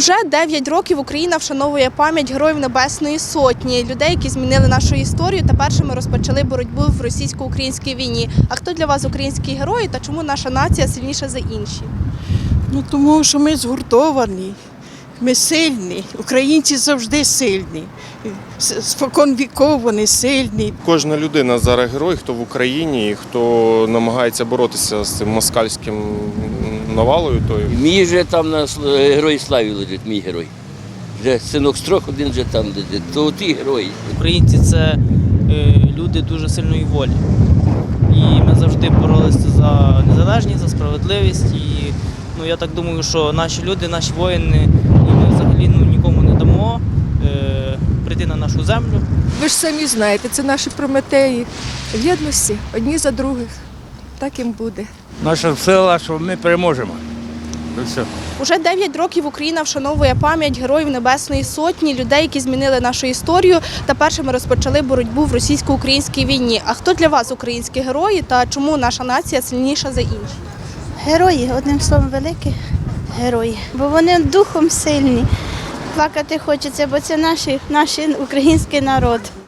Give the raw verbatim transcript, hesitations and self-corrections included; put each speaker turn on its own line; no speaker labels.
Уже дев'ять років Україна вшановує пам'ять Героїв Небесної Сотні, людей, які змінили нашу історію та першими розпочали боротьбу в російсько-українській війні. А хто для вас українські герої та чому наша нація сильніша за інші?
Ну, тому що ми згуртовані, ми сильні, українці завжди сильні, спокон віков вони сильні.
Кожна людина зараз герой, хто в Україні, хто намагається боротися з цим москальським навалою. Тою.
Мій же там на Герої Славі лежить, мій герой. Вже синок Строх один вже там лежить. То ті герої.
Українці – це е, люди дуже сильної волі. І ми завжди боролися за незалежність, за справедливість. І ну, я так думаю, що наші люди, наші воїни, і ми взагалі ну, нікому не дамо е, прийти на нашу землю.
Ви ж самі знаєте, це наші прометеї в єдності, одні за других. Так їм буде.
Наша сила, що ми переможемо. І все.
Уже дев'ять років Україна вшановує пам'ять Героїв Небесної Сотні, людей, які змінили нашу історію та першими розпочали боротьбу в російсько-українській війні. А хто для вас українські герої та чому наша нація сильніша за інші?
Герої, одним словом, великі герої, бо вони духом сильні. Плакати хочеться, бо це наш, наш український народ.